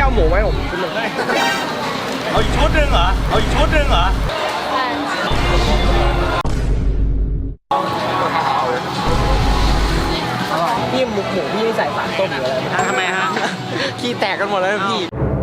เอาหมูไหมผมชุดหนึ่งเอาอีกชุดหนึ่งเหรอเอาอีกชุดหนึ่งเหรอพี่หมูพี่ใส่สารต้มหรืออะไรทำไมฮะขี้แตกกันหมดแล้วพี่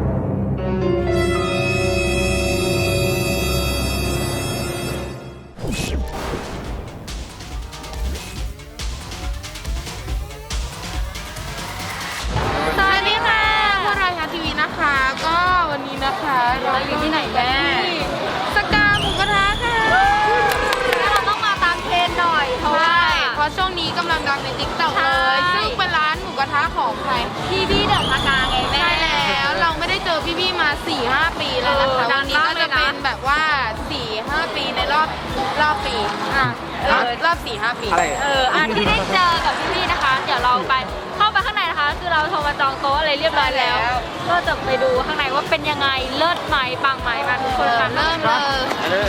สวัสดีค่ะพวกเราชาทีวีนะคะก็วันนี้นะคะเราอยู่ที่ไหนแม่สกาหมูกระทะค่ะแล้วเราต้องมาตามเทรนหน่อยเพราะช่วงนี้กำลังดังในติ๊กต็อกเลยซึ่งเป็นร้านหมูกระทะของใครพี่เดอะสกาไงแม่ใช่แล้วเราไม่ได้เจอพี่มา 4-5 ปีแล้วนะคะวันนี้ก็จะเป็นแบบว่า 4-5 ปีในรอบปีรอบ 4-5 ปีอันที่ได้เจอกับพี่นะคะ เดี๋ยวเราไปเข้าไปข้างในนะคะคือเราโทรมาจองโต๊ะอะไรเรียบร้อยแล้วก็จะไปดูข้างในว่าเป็นยังไงเลิศไหมปังไหมมาทุกคนกันเริ่มเลย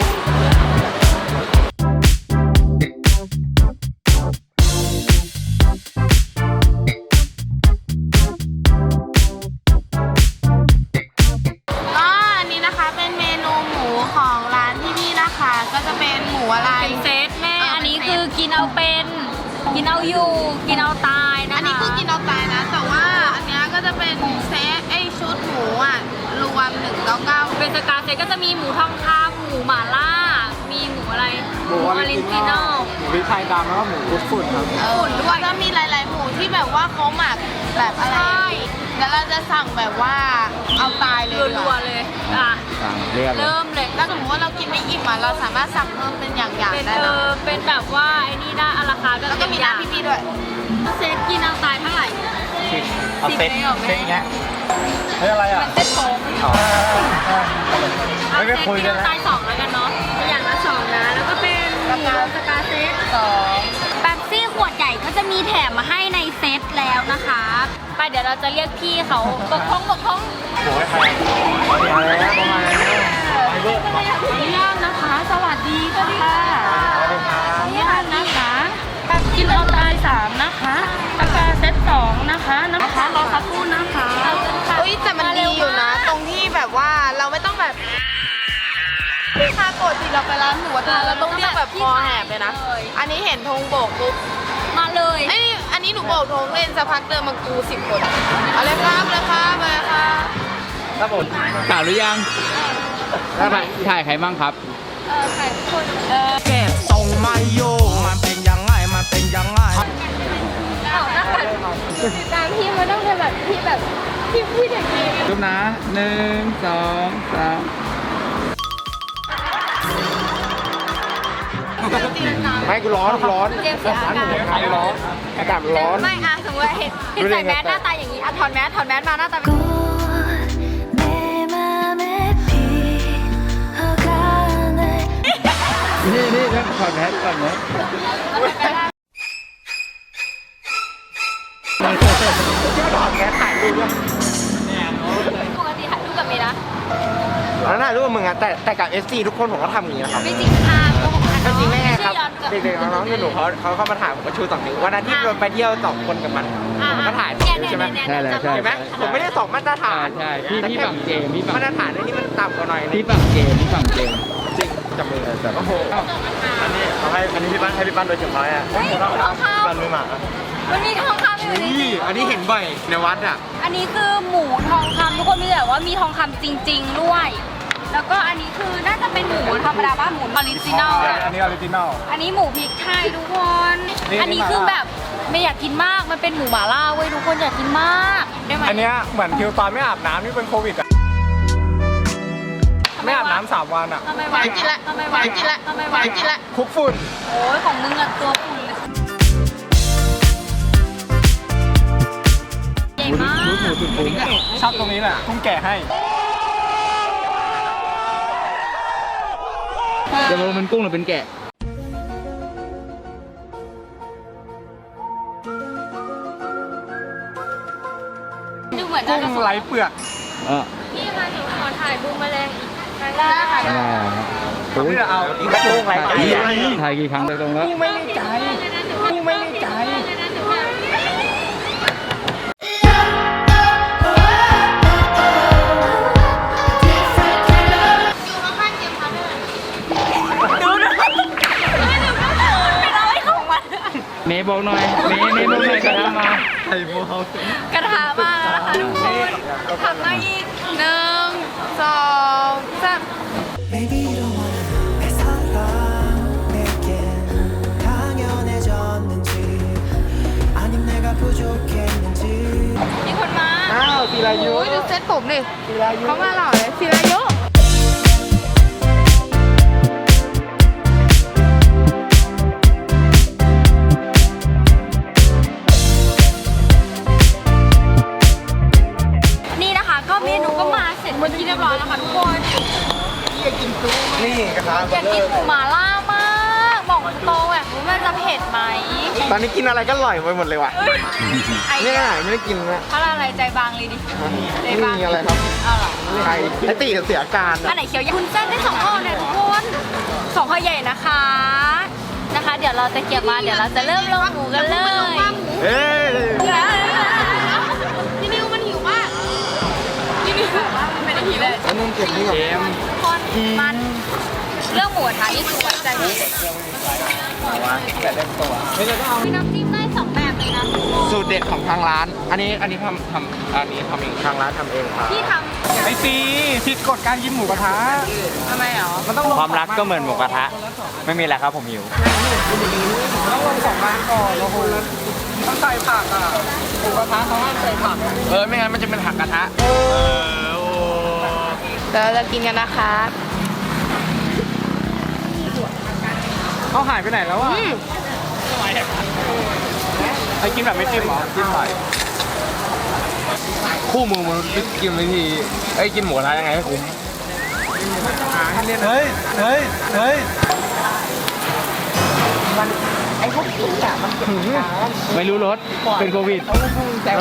อันนี้นะคะเป็นเมนูหมูของร้านที่นี่นะคะก็จะเป็นหมูอะไรเป็นเซตแม่อันนี้คือกินเอาเป็นกินเอาอยู่กินเอาตายนะคะอันนี้คือกินเอาตายนะแต่ว่าอันนี้ก็จะเป็นเซตชุดหมูรวม199 เป็นสกาเซตก็จะมีหมูทองคำหมูหม่าล่ามีหมูอะไรหมูออริจินอลหมูพริกไทยดำแล้วก็หมูฝุ่นครับฝุ่นด้วยก็มีหลายๆหมูที่แบบว่าเขาหมักแบบอะไรแล้วเราจะสั่งแบบว่าเอาตายเลยรัวๆเลยสั่งเริ่มเลยถ้าสมมติว่าเรากินไม่อิ่มเราสามารถสั่งเพิ่มเป็นอย่างๆได้นะเป็นแบบว่าไอ้นี่ได้อาราคาแล้วก็มีน้ำพี่ด้วยเซตกินเอาตายเท่าไหร่เอาเซ็ตเงี้ยเฮ้ยอะไรอ่ะเซ็ตโค้งเอาเซ็ตกินเอาตาย2แล้วกันเนาะอย่างละ2นะแล้วก็เป็นสกาเซต2แป๊บซี่ขวดใหญ่ก็จะมีแถมมาให้ในเซตแล้วนะคะไปเดี๋ยวเราจะเรียกพี่เขาบกพร่องโอ้ยใครมาแล้วประมาณนี้นะคะสวัสดีค่ะนี่นะคะกินเอาตาย3นะคะสกาเซต2นะคะรอสักครู่นะคะแต่มันดีอยู่นะตรงที่แบบว่าเราไม่ต้องแบบถ้าปกติเราไปร้านหมูกระทะเราต้องเรียกแบบคอแหบเลยนะอันนี้เห็นธงโบกปุ๊บมาเลยอันนี้หนูโบกธงเล่นสักพักเดินมากู10 คนเอาเลยครับเลยค่ะไปค่ะครับผมกล่าวหรือยังถ่ายใครบ้างครับถ่ายทุกคนแกส่งมาโยมันเป็นยังไงติดตามพี่มาต้องเป็นแบบพี่แบบพี่เด็กดีรูปนะ1 2 3ไม่กูร้อนเจมส์เสียอาการร้อนอากาศร้อนไม่สมมติเห็นใส่แมสหน้าตาอย่างนี้ถอดแมสมาหน้าตานี่ถอดแมสก่อนนะถอดแมสถ่ายรูปด้วยปกติถ่ายรูปกับเมย์นะแล้วถ่ายรูปกับมึงอะแต่กับ SC ทุกคนผมก็ทำอย่างนี้นะครับไม่จริงค่ะก็จริงแน่ครับเด็กๆน้องๆหนูเขาเข้ามาถ่ายผมก็ชู2 นิ้ววันนั้นที่เราไปเที่ยว2 คนกับมันผมก็ถ่ายใช่ไหมใช่เห็นไหมผมไม่ได้2 มาตรฐานใช่พี่ฝั่งเจมพี่มาตรฐานนี่มันต่ำกว่าหน่อยพี่ฝั่งเจมจริงจับมือโอ้โหอันนี้พี่ปั้นโดยเฉพาะอ่ะพี่ปั้นมือหมาวันนี้ทองคำอยู่นี่อันนี้เห็นบ่อยในวัดอ่ะอันนี้คือหมูทองคำทุกคนมีแต่ว่ามีทองคำจริงๆด้วยแล้วก็อันนี้คือน่าจะเป็นหมูธรรมดาบ้านหมูออริจินัลอันนี้ออริจินัลอันนี้หมูพริกไทยทุกคนอันนี้คือแบบไม่อยากกินมากมันเป็นหมูหม่าล่าเว้ยทุกคนอยากกินมากได้ไหมอันนี้เหมือนคิวตอนไม่อาบน้ำนี่เป็นโควิดอ่ะไม่อาบน้ำ3 วันอ่ะทำไมกินละคุกฝุ่นโอ้ยของมึงอะตัวฝุ่นเลยใหญ่มากชอบตรงนี้แหละทุ่งแก่ให้จะมองเป็นกุ้งหรือเป็นแกะดูเหมือนกุ้งไร้เปลือกพี่มาหนูขอถ่ายบูมแมลงอีกครั้งได้ค่ะผมจะเอาอีกกุ้งไร้ใจถ่ายกี่ครั้งตรงแล้วกุ้งไม่ได้ใจบอกหน่อยนี่มุมไหนกระทะมาไข่โมเฮากระทะมานะคะทุกคนทำได้อีก1 2 3 Baby don't wanna 내 사랑 내겐 당연해졌는지 아님 내가 부족했는지 มีคนมาอ้าวศิรายุโอ้ยดูเซ็ตผมดิเขามาหล่อเลยศิรายุนี่นะคะก็เมนูก็มาเสร็จเป็นที่เรียบร้อยแล้วค่ะทุกคนนี่กระทะอยากกินหมูหม่าล่ามากบอกตรงแบบรู้มันจะเผ็ดไหมตอนนี้กินอะไรก็อร่อยไปหมดเลยว่ะไอ้เนี่ยไม่ได้กินนะเพราะอะไรใจบางเลยดิใจนี่บางมีอะไรครับเอาเหรอไข่ไอตีเสียอาการอันไหนเขียวคุณเส้นได้2ห่อเนี่ยทุกคน2ห่อใหญ่นะคะเดี๋ยวเราจะเก็บมาเดี๋ยวเราจะเริ่มลงหมูกันเลยเอ้ยพี่นิวมันหิวมากพี่นิวมันไม่ได้หิวเลยอันนู้นเก็บนี่ก่อนคนมันเรื่องหมูกระทะนี่คือไว้ใจเลยมีน้ำจิ้มได้2แบบเลยนะทุกคนสูตรเด็ดของทางร้าน อันนี้ทำเองทางร้านทำเองครับพี่ทไอซีผิดกฎการกินหมูกระทะทำไมหรอมันต้องลงความรักก็เหมือนหมูกระทะไม่มีอะไรครับผมหิวต้องลง2 ร้านก่อนแล้วคุณต้องใส่ผักอ่ะหมูกระทะเขาห้ามใส่ผักไม่งั้นมันจะเป็นผักกระทะเดี๋ยวเราจะกินกันนะคะเขาหายไปไหนแล้วอ่ะไอกินแบบไม่จิ้มหรอจิ้มหน่อยคู่มือมันกินวิธีไอ้กินหมูกระทะยังไงให้คุ้มเฮ้ยไอ้พวกกินอ่ะมันไม่รู้รสเป็นโควิดแต่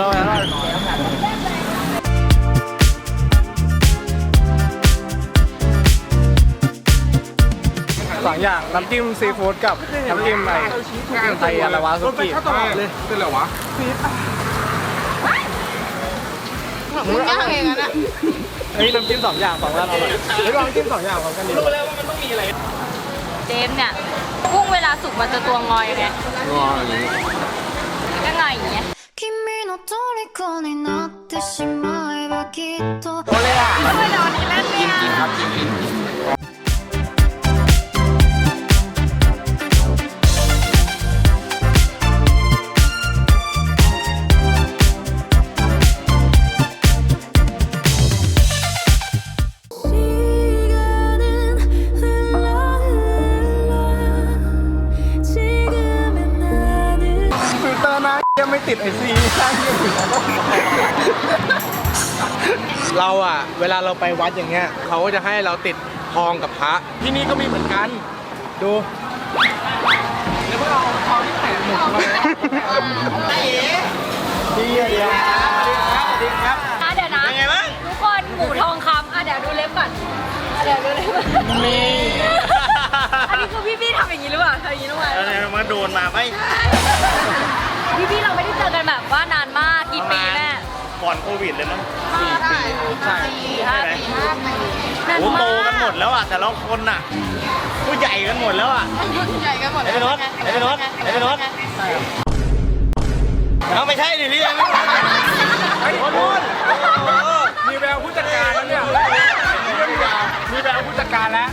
2 อย่างน้ำจิ้มซีฟู้ดกับน้ำจิ้มไทยอะไรวะซุกี้เลยเป็นอะไรวะมึงย่างเองนะเฮ้ยน้ำจิ้ม2 อย่าง2 ร้านอร่อยเฮ้ยลองจิ้ม2 อย่างพร้อมกันดิรู้แล้วว่ามันต้องมีอะไรำเจมส์เนี่ยกุ้งเวลาสุกมันจะตัวงอยไงงออย่างนี้ก็ไงอย่างเงี้ย君の虜になってしまえばきっとตัวเลยอ่ะทำไมเดี๋ยววันนี้เล่นเนี่ยกินครับกิน 시간은 흘러 지금의 나는 ฟิลเตอร์นะยังไม่ติดไอซีข้างยังอยู่เราอ่ะเวลาเราไปวัดอย่างเงี้ยเขาก็จะให้เราติดทองกับพระที่นี่ก็มีเหมือนกันดูแล้วพวกเราทองที่ไหนหมดเลยดีอ่ะเดียวสวัสดีครับเดี๋ยวนะทุกคนหมูทองคำเดี๋ยวดูเล็บก่อนเดี๋ยวดูเล็บก่อนนี่อันนี้คือพี่ๆทำอย่างนี้หรือเปล่าทำอย่างนี้หรือเปล่ามันโดนมาไหมพี่ๆเราไม่ได้เจอกันแบบว่านานมากกี่ปีแม่ก่อนโควิดเลยมั้งใช่ 5 ปีนานโอ้โตมากกันหมดแล้วอ่ะแต่ละคนอ่ะผู้ใหญ่กันหมดแล้วอ่ะใหญ่กันหมดไอ้เป็นรถเอาไม่ใช่ดิพี่ไอ้คนนู้นมีแววผู้จัดการแล้วเนี่ยมีแววผู้จัดการแล้ว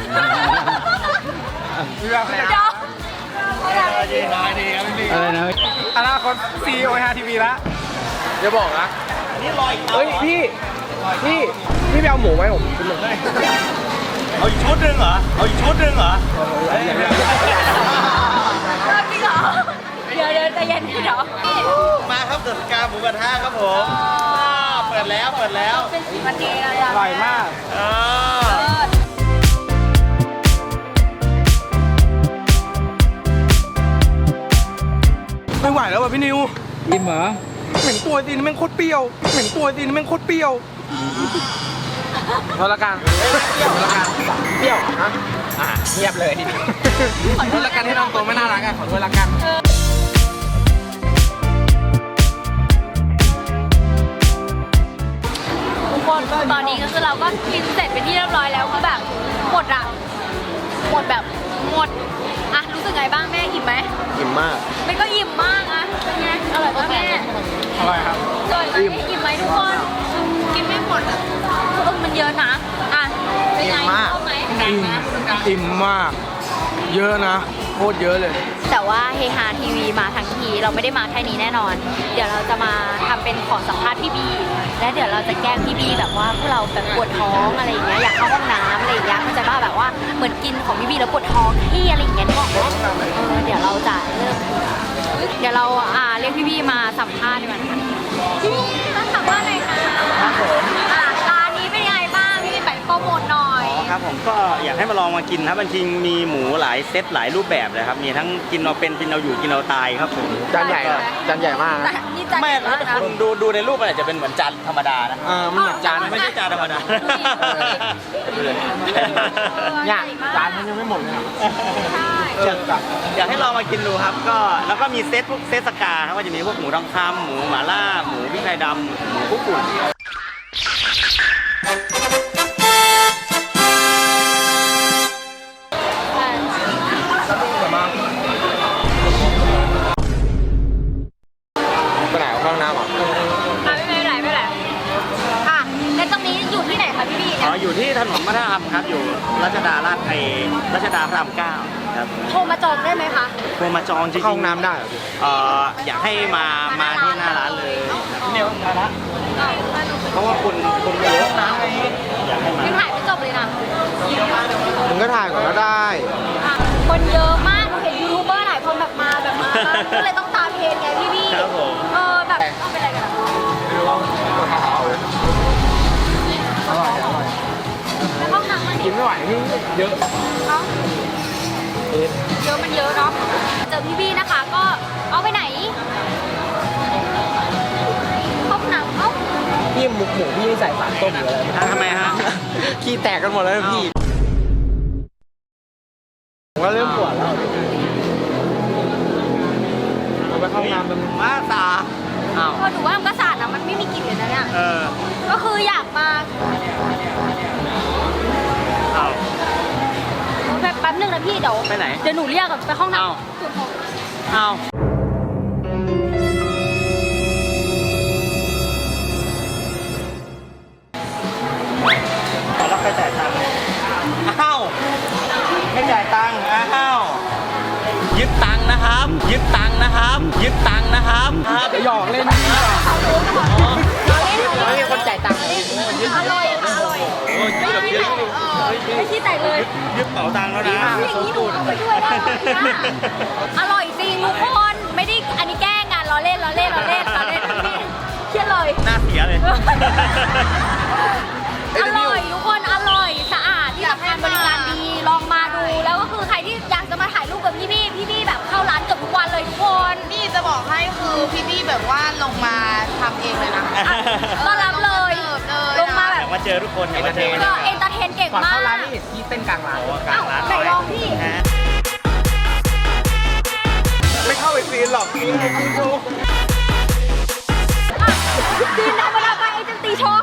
มีแววผู้จัดการดีครับพี่อะไรนะอนาคต CEO HTV แล้วอย่าบอกนะนี่ลอยเฮ้ยพี่ไปเอาหมูไว้ผมกินเลยเอาอีกชุดหนึ่งเหรอจริงเหรอเดี๋ยวใจเย็นพี่เหรอมาครับเดอะสกาหมูกระทะครับผมเปิดแล้วเป็นสีมันดีเลยอร่อยมาก ไม่ไหวแล้วว่ะพี่นิวอิ่มเหรอเหม็นตัวตีนแม่งโคตรเปรี้ยวพอละกันเปรี้ยวนะเงียบเลยขอโทษละกันที่น้องตัวไม่น่ารักขอโทษละกันทุกคนตอนนี้ก็คือเราก็กินเสร็จเป็นที่เรียบร้อยแล้วคือแบบหมดแบบหมดอ่ะรู้สึกไงบ้างแม่อิ่มไหมอิ่มมากมันก็อิ่มมากอ่ะเป็นไงอร่อยป่ะแม่อร่อยครับอร่อยไหมอิ่มไหมทุกคนกินไม่หมดอ่ะมันเยอะนะอ่ะเป็นไงอิ่มมากชอบไหมอิ่มมาก เยอะนะโคตรเยอะเลยแต่ว่าเฮฮาทีวีมาทั้งทีเราไม่ได้มาแค่นี้แน่นอน เดี๋ยวเราจะมาทำเป็นขอสัมภาษณ์พี่บีและเดี๋ยวเราจะแกล้งพี่บีแบบว่าพวกเราแบบปวดท้องอะไรอย่างเงี้ยอยากเข้าห้องน้ำอะไรอย่างเงี้ยเข้าใจป่ะแบบว่าเหมือนกินของพี่บีแล้วปวดท้องที่อะไรอย่างเงี้ยนึกออกไหมเดี๋ยวเราจะเริ่มเดี๋ยวเราเรียกพี่บีมาสัมภาษณ์ดีกว่าค่ะพี่บีมาสัมภาษณ์หน่อยค่ะร้านนี้เป็นยังไงบ้างพี่บีไปโปรโมทหน่อยครับผมก็อยากให้มาลองมากินครับจริงๆมีหมูหลายเซตหลายรูปแบบเลยครับมีทั้งกินเอาเป็นกินเอาอยู่กินเอาตายครับผมจานใหญ่อะจานใหญ่มากนะนี่จานไม่ใหญ่ถ้ามากนะคุณดูในรูปมันอาจจะเป็นเหมือนจานธรรมดานะมันเหมือนจานไม่ใช่จานธรรมดาเนี่ยจานมันยังไม่หมดเลยอะใช่อยากให้ลองมากินดูครับก็แล้วก็มีเซตพวกเซตสกาครับก็จะมีพวกหมูทองคำหมูหม่าล่าหมูพริกไทยดำหมูคุกกุ่นไปไหนเอาเข้าห้องน้ำเหรอไม่เป็นไรค่ะแล้วตรงนี้อยู่ที่ไหนคะพี่บีอ๋ออยู่ที่ถนนมัธยมครับอยู่รัชดารัชดาพระราม9ครับโทรมาจองได้ไหมคะโทรมาจองจริงๆเข้าห้องน้ำได้เหรอพี่อยากให้มาที่หน้าร้านเลยเนี่ยมาละเพราะว่าคนเยอะนะอยากให้มายังถ่ายไม่จบเลยนะมึงก็ถ่ายก่อนก็ได้คนเยอะมากหนูเห็นยูทูบเบอร์หลายคนแบบมาก็เลยต้องตามเทรนไงพี่บีครับผมแบบต้องเป็นอะไรกันอะอร่อยอร่อยแล้วห้องน้ำมันกินไม่ไหวนี่เยอะเนาะเยอะมันเยอะเนาะเจอพี่บีนะคะก็เอาไปไหนห้องน้ำพี่หมูพี่ใส่สารต้มหรืออะไรทำไมฮะขี้แตกกันหมดแล้วนะพี่ผมก็เริ่มปวดแล้วเราไปเข้าห้องน้ำมันมาตาอ้าวหนูว่ามันก็สะอาดนะมันไม่มีกลิ่นเลยนะเนี่ย ก็คืออยากมาอ้าวแป๊บนึงนะพี่เดี๋ยวไปไหนเดี๋ยวหนูเรียกไปห้องน้อ้าวำสุดของอ้าวแล้วใครจ่ายตังค์อ้าวไม่จ่ายตังค์อ้าวยึดตังค์นะครับ ยึดตังค์นะครับ ยึดตังค์นะครับครับหยอกเล่นนี่ไม่มีคนจ่ายตังค์อร่อยค่ะอร่อยไม่คิดแต่เลยยึดเป๋าตังค์แล้วนะอย่างนี้หนูเอาไปด้วยได้ไหมอร่อยจริงทุกคนไม่ได้อันนี้แกล้งงานล้อเล่นพี่เครียดเลยหน้าเสียเลยอร่อยทุกคนอร่อยสะอาดที่สำคัญบริการดีลองมาดูแล้วก็คือใครที่อยากจะมาถ่ายรูปกับพี่แบบเข้าร้านเกือบทุกวันเลยทุกคนนี่จะบอกให้คือพี่บี้แบบว่าลงมาทำเองเลยนะต้อนรับเลยลงมาแบอบ ยากมาเจอทุกคนอยากมาเจอก็เอนเตอร์เทนเก่งก่อนมาเข้าก ร้านนี่เห็นพี่เต้นกลางร้านกลางร้านไหนลองพี่ฮะไม่เข้าไปซีนหรอกพี่ให้ดูซีนธรรมดาไปเอเจนตีโชว์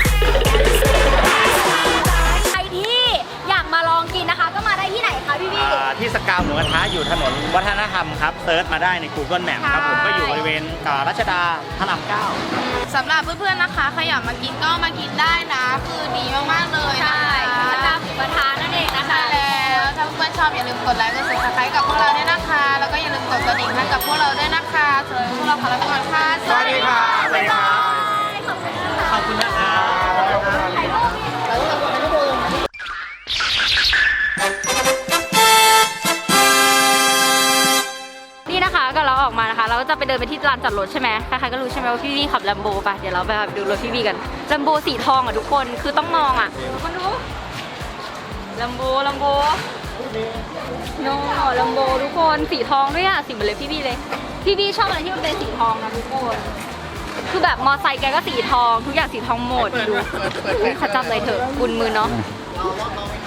ใครที่อยากมาลองกินนะคะ ก็มาได้ที่ไหนคะพี่บี้ที่สกาวหมูกระทะอยู่ถนนวัฒนธรรมครับเซิร์ชมาได้ใน Google Map ครับผมก็อยู่บริเวณรัชดาพระราม9 สำหรับเพื่อนๆนะคะใครอยากมากินก็มากินได้นะ คือดีมากๆเลยนะใช่คะสกาหมูกระทะนั่นเองนะคะแล้วถ้าเพื่อนๆชอบอย่าลืมกดไลค์กด subscribe กับพวกเราด้วยนะคะ แล้วก็อย่าลืมกดกระดิ่งให้กับพวกเราด้วยนะคะสำหรับพวกเราขอลาไปก่อนค่ะสวัสดีค่ะบ๊ายบายขอบคุณนะครับถ่ายรูปนี่นะคะก็เราออกมานะคะ เราก็จะไปเดินไปที่ลานจอดรถใช่ไหมใครๆก็รู้ใช่ไหมว่าพี่บี้ขับลัมโบป่ะเดี๋ยวเราไปดูรถพี่บี้กันลัมโบสีทองอ่ะทุกคนคือต้องมองอ่ะมาดูลัมโบโน่ลัมโบทุกคนสีทองด้วยอ่ะสีเหมือนเลยพี่บี้เลยพี่บี้ชอบอะไรที่มันเป็นสีทองนะทุกคนคือแบบมอไซค์แกก็สีทองทุกอย่างสีทองหมดดูเขาจำเลยเถอะกุนมือเนาะ